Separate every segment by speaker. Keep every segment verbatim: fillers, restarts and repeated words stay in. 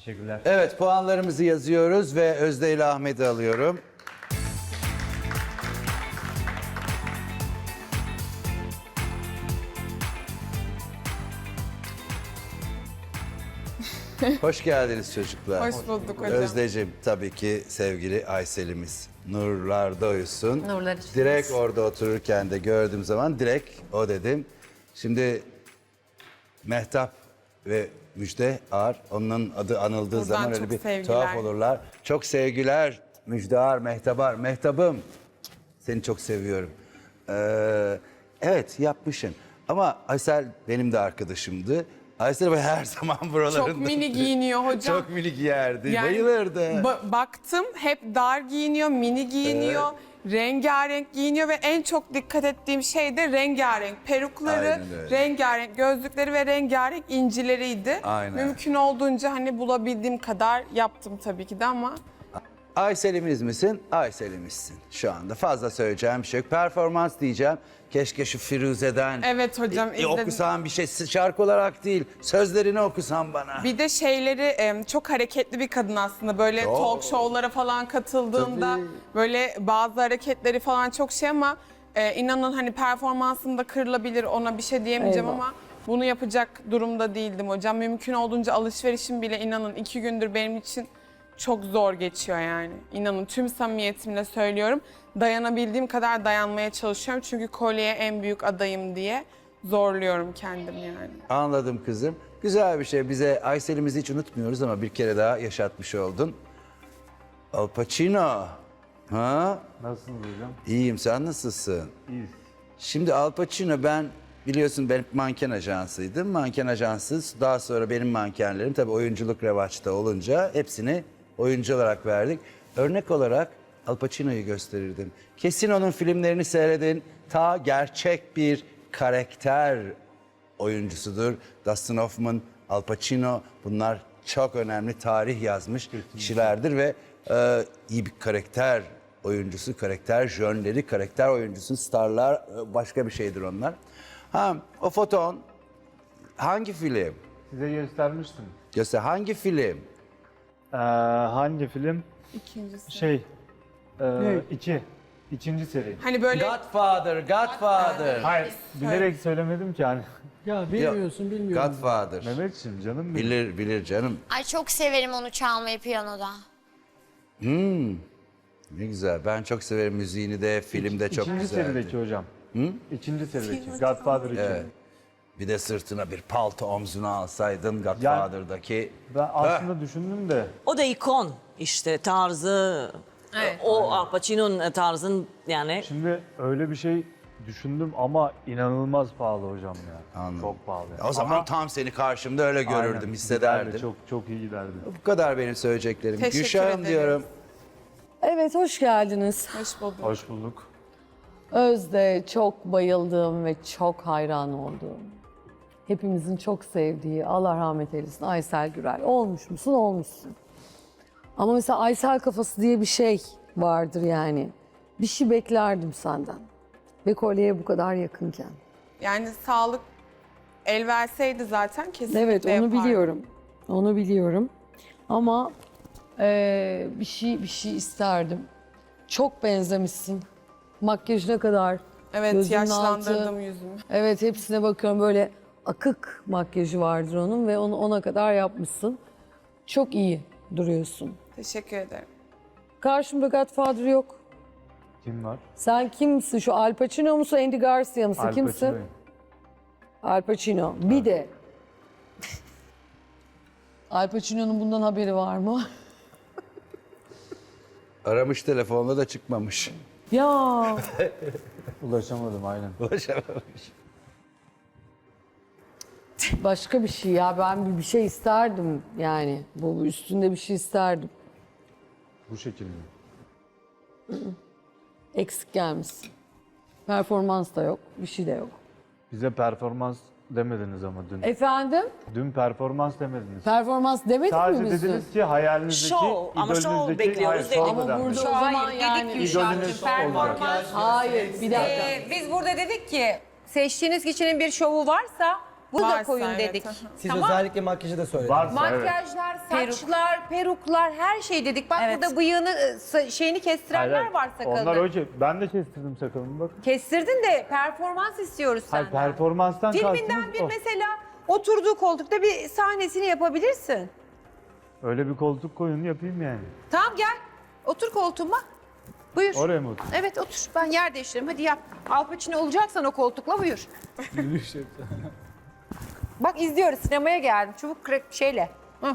Speaker 1: Teşekkürler.
Speaker 2: Evet, puanlarımızı yazıyoruz ve Özde ile Ahmet'i alıyorum. Hoş geldiniz çocuklar.
Speaker 3: Hoş bulduk hocam.
Speaker 2: Özdeciğim, tabii ki sevgili Aysel'imiz. Nurlarda uyusun.
Speaker 4: Nurlar içiniz.
Speaker 2: Direkt orada otururken de gördüğüm zaman direkt o dedim. Şimdi Mehtap ve Müjde Ar, onun adı anıldığı
Speaker 3: Buradan
Speaker 2: zaman öyle
Speaker 3: çok
Speaker 2: bir
Speaker 3: sevgiler.
Speaker 2: tuhaf olurlar. Çok sevgiler Müjde Ar, Mehtap Ar. Mehtap'ım, seni çok seviyorum. Ee, evet, yapmışsın. Ama Aysel benim de arkadaşımdı. Aysel Bey her zaman buralarında.
Speaker 3: Çok mini giyiniyor hocam.
Speaker 2: Çok mini giyerdi,
Speaker 3: Yani
Speaker 2: bayılırdı.
Speaker 3: ba- baktım hep dar giyiniyor, mini giyiniyor, rengarenk giyiniyor ve en çok dikkat ettiğim şey de rengarenk. Perukları,
Speaker 2: Aynen öyle.
Speaker 3: rengarenk gözlükleri ve rengarenk incileriydi.
Speaker 2: Aynen.
Speaker 3: Mümkün olduğunca hani bulabildiğim kadar yaptım tabii ki de ama
Speaker 2: Aysel'imiz misin? Aysel'imizsin şu anda. Fazla söyleyeceğim bir şey yok. Performans diyeceğim. Keşke şu Firuze'den
Speaker 3: evet hocam
Speaker 2: e,
Speaker 3: izledim.
Speaker 2: okusan bir şey, şarkı olarak değil, sözlerini okusan bana.
Speaker 3: Bir de şeyleri em, çok hareketli bir kadın aslında. Böyle
Speaker 2: Çok.
Speaker 3: talk show'lara falan katıldığında
Speaker 2: Tabii.
Speaker 3: böyle bazı hareketleri falan çok şey ama e, inanın hani performansında kırılabilir, ona bir şey diyemeyeceğim
Speaker 5: Eyvah.
Speaker 3: ama bunu yapacak durumda değildim hocam. Mümkün olduğunca alışverişim bile inanın iki gündür benim için çok zor geçiyor yani. İnanın tüm samimiyetimle söylüyorum. Dayanabildiğim kadar dayanmaya çalışıyorum. Çünkü kolyeye en büyük adayım diye zorluyorum kendimi yani.
Speaker 2: Anladım kızım. Güzel bir şey. Bize Aysel'imizi hiç unutmuyoruz ama bir kere daha yaşatmış oldun. Al Pacino. Ha?
Speaker 1: Nasılsınız hocam?
Speaker 2: İyiyim. Sen nasılsın?
Speaker 1: İyiyiz.
Speaker 2: Şimdi Al Pacino, ben biliyorsun ben manken ajansıydım. Manken ajansı, daha sonra benim mankenlerim tabii oyunculuk revaçta olunca hepsini oyuncu olarak verdik. Örnek olarak Al Pacino'yu gösterirdim. Kesin onun filmlerini seyredin. Ta gerçek bir karakter oyuncusudur. Dustin Hoffman, Al Pacino, bunlar çok önemli tarih yazmış kişilerdir ve e, iyi bir karakter oyuncusu, karakter jönleri, karakter oyuncusu, starlar e, başka bir şeydir onlar. Ha, o foton hangi film?
Speaker 1: Size göstermiştim.
Speaker 2: Göster hangi film?
Speaker 1: Ee, hangi film?
Speaker 3: İkincisi.
Speaker 1: Şey, e, iki. İkinci seri.
Speaker 3: Hani böyle
Speaker 2: Godfather, Godfather.
Speaker 1: Hayır, bilerek söylemedim ki hani.
Speaker 5: Ya bilmiyorsun, bilmiyorum.
Speaker 2: Godfather.
Speaker 1: Mehmetciğim canım benim.
Speaker 2: Bilir, bilir canım.
Speaker 4: Ay çok severim onu çalmayı piyanoda.
Speaker 2: Ne güzel. Ben çok severim müziğini de, filmde çok
Speaker 1: İkinci
Speaker 2: güzeldi.
Speaker 1: serideki hocam. Hı? İkinci serideki. Godfather iki.
Speaker 2: Evet. Bir de sırtına bir palto omzuna alsaydın Godfather'daki.
Speaker 1: Ben aslında düşündüm de
Speaker 6: O da ikon işte tarzı. O Al Pacino'nun tarzın yani.
Speaker 1: şimdi öyle bir şey düşündüm ama inanılmaz pahalı hocam ya.
Speaker 2: Anladım.
Speaker 1: Çok pahalı.
Speaker 2: O zaman
Speaker 1: Ama-
Speaker 2: tam seni karşımda öyle görürdüm,
Speaker 1: Aynen,
Speaker 2: hissederdim.
Speaker 1: giderdi, Çok çok iyi giderdi.
Speaker 2: Bu kadar benim söyleyeceklerim.
Speaker 3: Teşekkür
Speaker 2: Gülşah'ım
Speaker 3: ederim.
Speaker 2: diyorum.
Speaker 5: Evet, hoş geldiniz.
Speaker 3: hoş bulduk.
Speaker 1: Hoş bulduk.
Speaker 5: Özde çok bayıldığım ve çok hayran olduğum, hepimizin çok sevdiği, Allah rahmet eylesin, Aysel Gürel. Olmuş musun? Olmuşsun. Ama mesela Aysel kafası diye bir şey vardır yani. Bir şey beklerdim senden. Ve kolyeye bu kadar yakınken.
Speaker 3: Yani sağlık el verseydi zaten kesinlikle
Speaker 5: Evet, onu
Speaker 3: yapardım.
Speaker 5: biliyorum. Onu biliyorum. Ama eee, bir şey bir şey isterdim. Çok benzemişsin. Makyajına kadar.
Speaker 3: Evet
Speaker 5: gözünün
Speaker 3: yaşlandırdım
Speaker 5: altı.
Speaker 3: yüzümü.
Speaker 5: Evet, hepsine bakıyorum, böyle akık makyajı vardır onun ve onu ona kadar yapmışsın. Çok iyi duruyorsun.
Speaker 3: Teşekkür ederim.
Speaker 5: Karşımda Godfather yok.
Speaker 1: Kim var?
Speaker 5: Sen kimsin? Şu Al Pacino musun, Andy Garcia mısın?
Speaker 1: Al
Speaker 5: Kimsin?
Speaker 1: Pacino'yum.
Speaker 5: Al Pacino. Bir de Al Pacino'nun bundan haberi var mı?
Speaker 2: Aramış telefonla da çıkmamış.
Speaker 5: Ya
Speaker 1: Ulaşamadım aynen.
Speaker 2: Ulaşamamış.
Speaker 5: başka bir şey ya, ben bir- bir şey isterdim yani. Bu üstünde bir şey isterdim.
Speaker 1: Bu şekilde.
Speaker 5: Eksik gelmişsin. Performans da yok, bir şey de yok.
Speaker 1: Bize performans demediniz ama dün.
Speaker 5: Efendim?
Speaker 1: Dün performans demediniz.
Speaker 5: Performans demedik
Speaker 1: Sadece
Speaker 5: mi biz dün?
Speaker 1: dediniz ki hayalinizdeki,
Speaker 6: Şov, ama şov
Speaker 1: idolünüzdeki-
Speaker 6: bekliyoruz
Speaker 1: Hayır, şov
Speaker 6: dedik.
Speaker 1: da
Speaker 5: Ama
Speaker 1: denmedi.
Speaker 5: burada o zaman yani...
Speaker 1: İdolünüz olacak.
Speaker 5: Hayır, bir dakika.
Speaker 7: Ee, biz burada dedik ki seçtiğiniz kişinin bir şovu varsa Bu da
Speaker 3: Varsa
Speaker 7: koyun
Speaker 3: evet,
Speaker 7: dedik.
Speaker 3: aha.
Speaker 8: Siz
Speaker 7: Tamam.
Speaker 8: özellikle makyajı da söylediniz.
Speaker 1: Varsa evet.
Speaker 7: Makyajlar, saçlar, peruklar her şey dedik. Bak
Speaker 9: Evet.
Speaker 7: burada bıyığını, e, sa- şeyini kestirenler
Speaker 1: Hayır,
Speaker 7: var sakalını.
Speaker 1: Onlar hoca. Ben de kestirdim sakalımı bak.
Speaker 7: Kestirdin de performans istiyoruz
Speaker 1: Hayır,
Speaker 7: senden.
Speaker 1: performanstan
Speaker 7: Filminden
Speaker 1: kastınız
Speaker 7: bir
Speaker 1: o.
Speaker 7: mesela oturduğu koltukta bir sahnesini yapabilirsin.
Speaker 1: Öyle bir koltuk koyun yapayım yani.
Speaker 7: Tamam gel. Otur koltuğuma. Buyur.
Speaker 1: Oraya mı otur?
Speaker 7: Evet otur. Ben yer değiştiririm. Hadi yap. Al Pacino olacaksan o koltukla buyur. Bak izliyoruz. Sinemaya geldim. Çubuk kırık şeyle. Hı.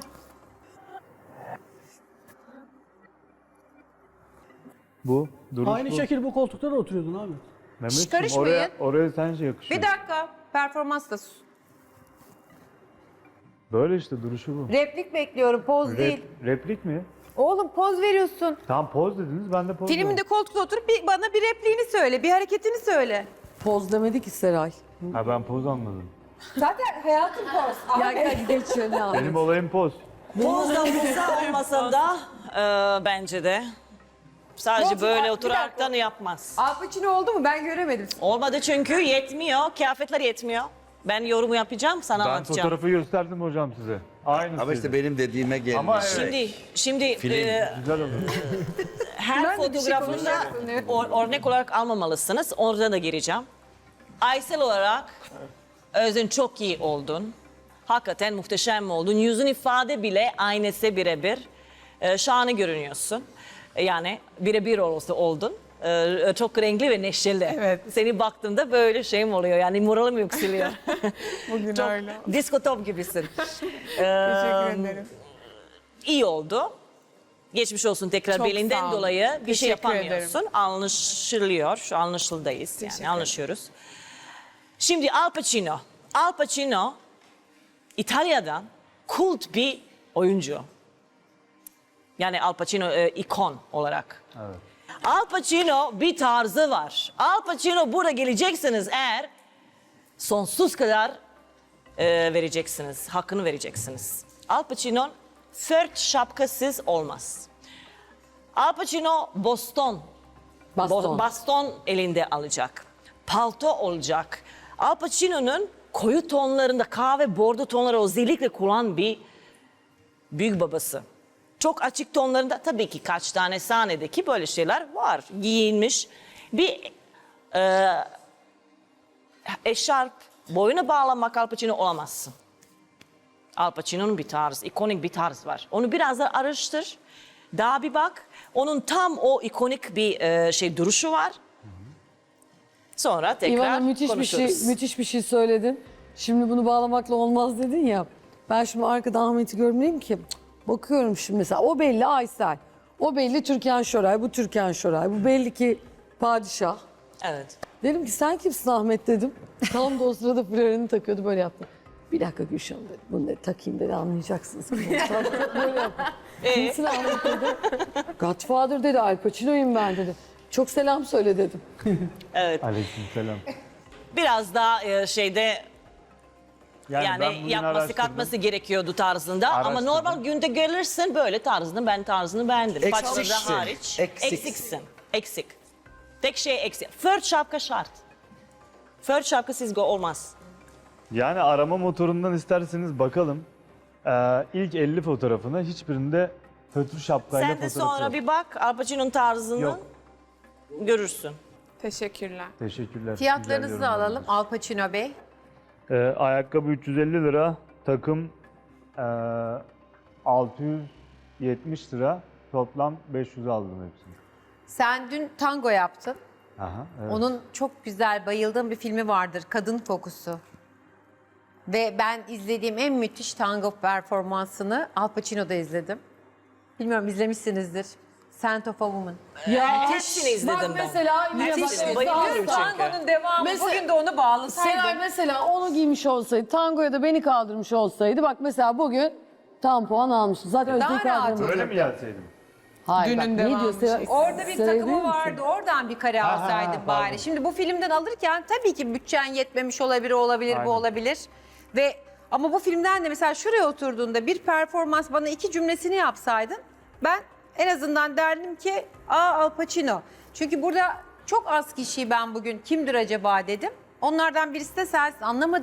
Speaker 1: Bu. Duruş
Speaker 8: Aynı
Speaker 1: bu.
Speaker 8: şekilde bu koltukta da oturuyordun abi.
Speaker 1: Mehmetciğim,
Speaker 7: karışmayın.
Speaker 1: oraya, oraya sence yakışıyor.
Speaker 7: Bir dakika. Performans da sus.
Speaker 1: Böyle işte duruşu bu.
Speaker 7: Replik bekliyorum. Poz
Speaker 1: Rep-
Speaker 7: değil.
Speaker 1: replik mi?
Speaker 7: Oğlum poz veriyorsun.
Speaker 1: Tamam poz dediniz ben de poz
Speaker 7: Filminde
Speaker 1: verdim.
Speaker 7: koltukta oturup bir, bana bir repliğini söyle. Bir hareketini söyle.
Speaker 5: Poz demedi ki Seray.
Speaker 1: Ha ben poz anladım.
Speaker 7: Zaten hayatım poz.
Speaker 5: Ya gel geç şöyle abi.
Speaker 1: Benim olayım poz.
Speaker 6: Bozda bulsa olmasa da e, bence de. Sadece
Speaker 7: Boz-
Speaker 6: böyle
Speaker 7: bir
Speaker 6: oturaraktan
Speaker 7: dakika.
Speaker 6: yapmaz.
Speaker 7: Al Pacino oldu mu? Ben göremedim.
Speaker 6: Olmadı çünkü yetmiyor. Kıyafetler yetmiyor. Ben yorumu yapacağım, sana
Speaker 1: Ben
Speaker 6: anlatacağım.
Speaker 1: fotoğrafı gösterdim hocam size. Aynı.
Speaker 2: Ama işte benim dediğime gelmiş.
Speaker 1: Ama evet.
Speaker 6: Şimdi, şimdi
Speaker 2: Film.
Speaker 6: e,
Speaker 1: Güzel olur.
Speaker 6: her
Speaker 7: Ben de bir şey
Speaker 6: fotoğrafında
Speaker 7: konuşacaktım.
Speaker 6: or- örnek olarak almamalısınız. Orada da gireceğim. Aysel olarak Özün çok iyi oldun. Hakikaten muhteşem oldun. Yüzün ifade bile aynısı birebir. Ee, şahane görünüyorsun. Yani birebir olsa oldun. Ee, çok renkli ve neşeli.
Speaker 3: Evet.
Speaker 6: Seni baktığımda böyle şeyim oluyor. Yani moralim yükseliyor.
Speaker 3: Bugün
Speaker 6: çok
Speaker 3: öyle.
Speaker 6: disco top gibisin.
Speaker 3: Teşekkür ederim.
Speaker 6: İyi oldu. Geçmiş olsun tekrar
Speaker 3: Çok sağ
Speaker 6: belinden
Speaker 3: olun.
Speaker 6: dolayı bir şey
Speaker 3: Teşekkür
Speaker 6: yapamıyorsun. Anlaşılıyor. Şu anlaşıldayız. Yani anlaşıyoruz. Şimdi Al Pacino. Al Pacino İtalya'dan kult bir oyuncu. Yani Al Pacino e, ikon olarak.
Speaker 1: Evet.
Speaker 6: Al Pacino bir tarzı var. Al Pacino burada geleceksiniz eğer sonsuz kadar e, vereceksiniz. Hakkını vereceksiniz. Al Pacino fört şapkasız olmaz. Al Pacino Boston.
Speaker 5: Baston.
Speaker 6: Bo- baston elinde alacak. Palto olacak. Al Pacino'nun koyu tonlarında kahve bordo tonları özellikle kullanan bir büyük babası. Çok açık tonlarında tabii ki kaç tane sahnedeki böyle şeyler var. Giyinmiş bir e, eşarp boyuna bağlamak Al Pacino olamazsın. Al Pacino'nun bir tarzı, ikonik bir tarz var. Onu biraz da araştır. Daha bir bak. Onun tam o ikonik bir e, şey duruşu var. Sonra tekrar
Speaker 5: İvana müthiş bir
Speaker 6: konuşuruz.
Speaker 5: şey müthiş bir şey söyledin. Şimdi bunu bağlamakla olmaz dedin ya. Ben şimdi arkada Ahmet'i görmeliyim ki. Cık, bakıyorum şimdi mesela o belli Aysel. O belli Türkan Şoray, bu Türkan Şoray. Bu belli ki padişah.
Speaker 6: Evet.
Speaker 5: Dedim ki sen kimsin Ahmet dedim. Tam da o sırada florerini takıyordu böyle yaptı. Bir dakika Gülşen dedi. Bunu dedi, takayım dedi anlayacaksınız. Tam böyle yaptı. Kimsin Ahmet dedi. Godfather dedi Al Pacino'yum ben dedi. Çok selam söyle dedim.
Speaker 6: Evet.
Speaker 1: Aleykümselam.
Speaker 6: Biraz daha e, şeyde
Speaker 1: Yani,
Speaker 6: yani,
Speaker 1: ben bugün
Speaker 6: yapması
Speaker 1: araştırdım.
Speaker 6: katması gerekiyordu tarzında. Ama
Speaker 1: Araştırdım.
Speaker 6: normal günde gelirsin böyle tarzını ben tarzını beğendim. Saçları da
Speaker 2: Eksiksin.
Speaker 6: hariç.
Speaker 2: Eksiksin.
Speaker 6: Eksiksin. Eksik. Tek şey eksik. Fört şapka şart. Fört şapka sizde olmaz.
Speaker 1: Yani arama motorundan isterseniz bakalım. Ee, ilk elli fotoğrafına hiçbirinde fötr şapkayla
Speaker 6: Sen de
Speaker 1: fotoğrafı
Speaker 6: sonra
Speaker 1: yok.
Speaker 6: bir bak Al Pacino'nun tarzını
Speaker 1: Yok.
Speaker 6: görürsün.
Speaker 3: Teşekkürler.
Speaker 1: Teşekkürler.
Speaker 7: Fiyatlarınızı
Speaker 1: Güzel
Speaker 7: da alalım
Speaker 1: yorumlar.
Speaker 7: Al Pacino Bey.
Speaker 1: Ee, ayakkabı üç yüz elli lira, takım ee, altı yüz yetmiş lira, toplam beş yüz aldım hepsini.
Speaker 7: Sen dün tango yaptın.
Speaker 1: Aha, evet.
Speaker 7: Onun çok güzel bayıldığım bir filmi vardır. Kadın Kokusu. Ve ben izlediğim en müthiş tango performansını Al Pacino'da izledim. Bilmiyorum izlemişsinizdir. Scent of a Woman.
Speaker 5: Ya
Speaker 6: Hepsini izledim
Speaker 5: bak
Speaker 6: ben.
Speaker 5: mesela yine bak,
Speaker 6: Hepsini
Speaker 5: Esra
Speaker 6: bayılıyorum çünkü.
Speaker 7: Tango'nun devamı.
Speaker 5: Mesela-
Speaker 7: Bugün de onu bağlasaydın.
Speaker 5: Seray mesela onu giymiş olsaydı, tangoya da beni kaldırmış olsaydı bak mesela bugün tam puan almıştı. Zaten
Speaker 7: Daha
Speaker 5: Özde'yi
Speaker 7: rahat
Speaker 5: kaldırmış.
Speaker 1: Öyle mi gelseydim?
Speaker 5: Hayır
Speaker 3: Dünün
Speaker 5: bak ne
Speaker 3: devamı
Speaker 5: diyor Seray?
Speaker 3: şey.
Speaker 7: Orada bir
Speaker 5: Seray
Speaker 7: takımı
Speaker 5: biliyor musun?
Speaker 7: vardı. Oradan bir kare
Speaker 1: Ha, ha,
Speaker 7: alsaydın
Speaker 1: ha,
Speaker 7: bari.
Speaker 1: pardon.
Speaker 7: Şimdi bu filmden alırken tabii ki bütçen yetmemiş olabilir, o olabilir,
Speaker 1: Aynen.
Speaker 7: bu olabilir. Ve ama bu filmden de mesela şuraya oturduğunda bir performans bana iki cümlesini yapsaydın ben en azından derdim ki aa Al Pacino. Çünkü burada çok az kişiyi ben bugün kimdir acaba dedim. Onlardan birisi de sensin anlamadım.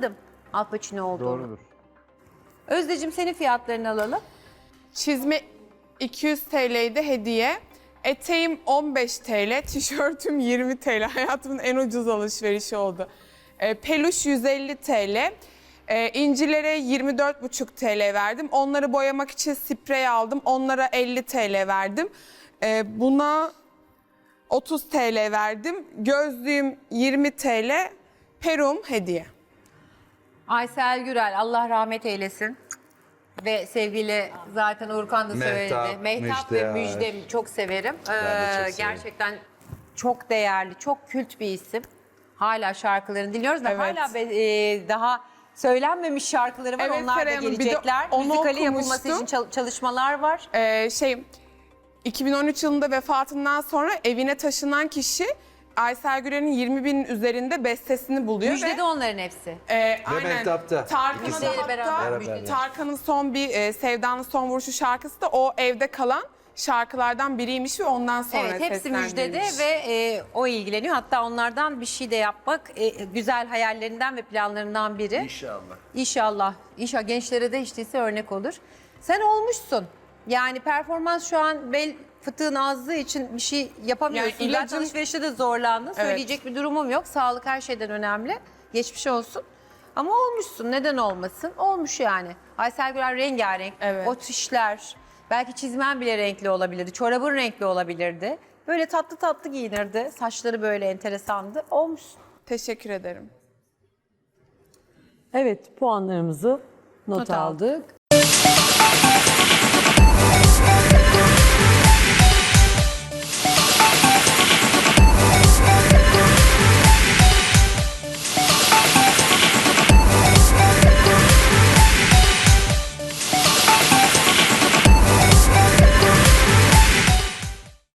Speaker 7: Al Pacino olduğunu.
Speaker 1: Doğrudur.
Speaker 7: Özdeciğim senin fiyatlarını alalım.
Speaker 3: Çizme iki yüz T L'ydi hediye. Eteğim on beş T L, tişörtüm yirmi T L. Hayatımın en ucuz alışverişi oldu. E, peluş yüz elli T L. E, incilere yirmi dört buçuk T L verdim. Onları boyamak için sprey aldım. Onlara elli T L verdim. E, buna otuz T L verdim. Gözlüğüm yirmi T L. Perum hediye.
Speaker 7: Aysel Gürel Allah rahmet eylesin. Ve sevgili zaten Urkan da
Speaker 2: Mehtap,
Speaker 7: söyledi. Mehtap
Speaker 2: Müjde,
Speaker 7: ve Müjde çok severim.
Speaker 2: de çok
Speaker 7: Ee,
Speaker 2: severim.
Speaker 7: gerçekten çok değerli, çok kült bir isim. Hala şarkılarını dinliyoruz ve
Speaker 3: Evet.
Speaker 7: hala be- e, daha söylenmemiş şarkıları var.
Speaker 3: Evet,
Speaker 7: Onlar da
Speaker 3: Seray Hanım, bir de
Speaker 7: gelecekler.
Speaker 3: onu
Speaker 7: Müzikali yapılması
Speaker 3: okumuştum.
Speaker 7: için çal- çalışmalar var.
Speaker 3: Ee, şey iki bin on üç yılında vefatından sonra evine taşınan kişi Aysel Gürel'in yirmi binin üzerinde bestesini buluyor
Speaker 7: Müjde
Speaker 3: ve
Speaker 7: de onların hepsi.
Speaker 3: e, aynen
Speaker 2: Mehtap'ta.
Speaker 3: Tarkan'a da
Speaker 7: İkisiyle beraber.
Speaker 3: hatta
Speaker 7: Beraber.
Speaker 3: Tarkan'ın son bir e, Sevda'nın son vuruşu şarkısı da o evde kalan şarkılardan biriymiş ve ondan sonra
Speaker 7: Evet, hepsi müjdede
Speaker 3: seslendirilmiş.
Speaker 7: ve e, o ilgileniyor. Hatta onlardan bir şey de yapmak e, güzel hayallerinden ve planlarından biri.
Speaker 2: İnşallah.
Speaker 7: İnşallah. İnşallah gençlere de hiç değilse örnek olur. Sen olmuşsun. Yani performans şu an bel fıtığın azlığı için bir şey yapamıyorsun.
Speaker 3: Yani
Speaker 7: Zaten
Speaker 3: ilacım-
Speaker 7: alışverişte de zorlandın. Söyleyecek bir durumum yok. Sağlık her şeyden önemli. Geçmiş olsun. Ama olmuşsun. Neden olmasın? Olmuş yani. Aysel Gürel rengarenk.
Speaker 3: Evet.
Speaker 7: O tişler. Belki çizmen bile renkli olabilirdi. Çorabın renkli olabilirdi. Böyle tatlı tatlı giyinirdi. Saçları böyle enteresandı. Olmuşsun.
Speaker 3: Teşekkür ederim.
Speaker 5: Evet, puanlarımızı not,
Speaker 7: Not aldık.
Speaker 5: aldık.